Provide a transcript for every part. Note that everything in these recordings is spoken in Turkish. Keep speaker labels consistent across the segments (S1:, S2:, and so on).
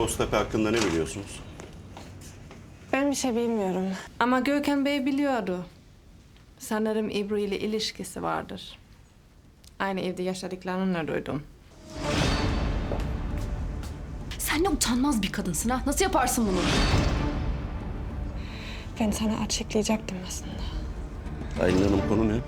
S1: Boztepe hakkında ne biliyorsunuz?
S2: Ben bir şey bilmiyorum. Ama Gökhan Bey biliyordu. Sanırım İbru ile ilişkisi vardır. Aynı evde yaşadıklarını duydum.
S3: Sen ne utanmaz bir kadınsın ha? Nasıl yaparsın bunu?
S2: Ben sana açıklayacaktım aslında.
S1: Aylin Hanım, konu ne?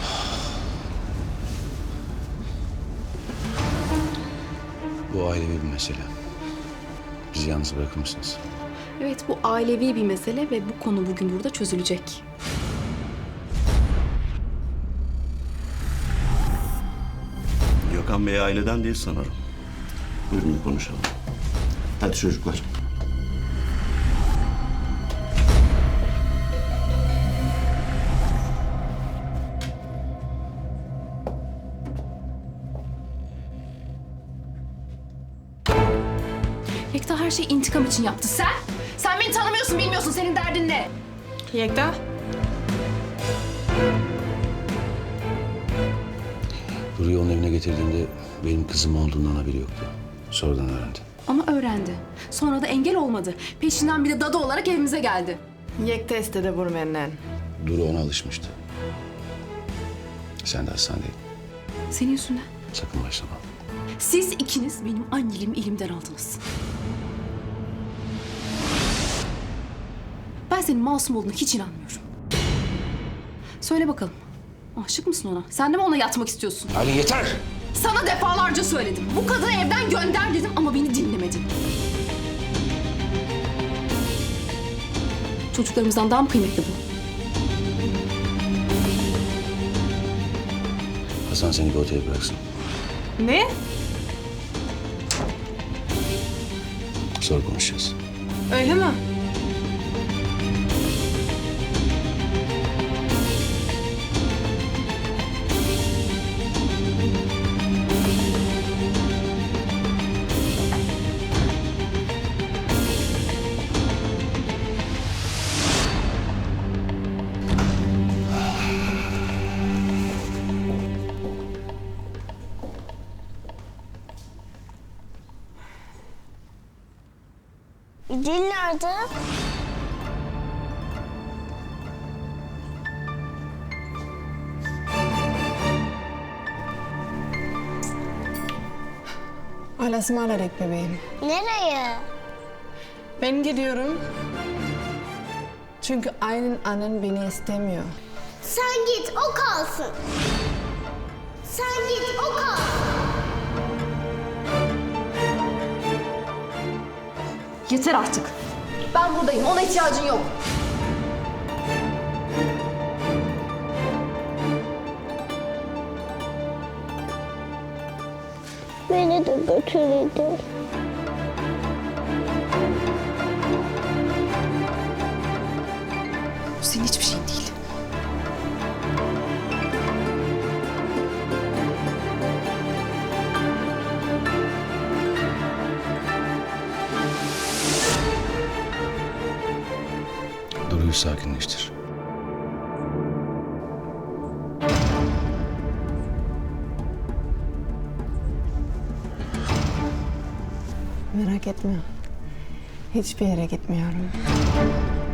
S4: Bu ailevi bir mesele. Bizi yalnız bırakır mısınız?
S3: Evet, bu ailevi bir mesele ve bu konu bugün burada çözülecek.
S1: Gökhan Bey aileden değil sanırım. Buyurun konuşalım. Hadi çocuklar.
S3: Yekta her şeyi intikam için yaptı. Sen? Sen beni tanımıyorsun, bilmiyorsun. Senin derdin ne?
S2: Yekta?
S4: Duru'yu onun evine getirdiğinde benim kızım olduğundan haberi yoktu. Sonradan öğrendi.
S3: Ama öğrendi. Sonra da engel olmadı. Peşinden bir de dadı olarak evimize geldi.
S2: Yekta istedi vur benden.
S4: Duru ona alışmıştı. Sen de hastanedeydin.
S3: Senin yüzünden.
S4: Sakın başlama.
S3: Siz ikiniz benim anneliğimi elimden aldınız. Ben senin masum olduğuna hiç inanmıyorum. Söyle bakalım. Aşık mısın ona? Sen de mi ona yatmak istiyorsun?
S4: Aylin yeter!
S3: Sana defalarca söyledim. Bu kadını evden gönder dedim ama beni dinlemedin. Çocuklarımızdan daha mı kıymetli bu?
S4: Hasan seni bir otele bıraksın.
S2: Ne?
S4: Sonra konuşacağız.
S2: Öyle mi?
S5: Dil nerede?
S2: Allah'a ısmarladık bebeğim.
S5: Nereye?
S2: Ben gidiyorum. Çünkü Aylin annen beni istemiyor.
S5: Sen git, o kalsın. Sen git, o kalsın.
S3: Yeter artık. Ben buradayım. Ona ihtiyacın yok.
S5: Beni de götürürdü.
S3: Bu senin hiçbir şeyin değil.
S4: Duru'yu sakinleştir.
S2: Merak etme. Hiçbir yere gitmiyorum.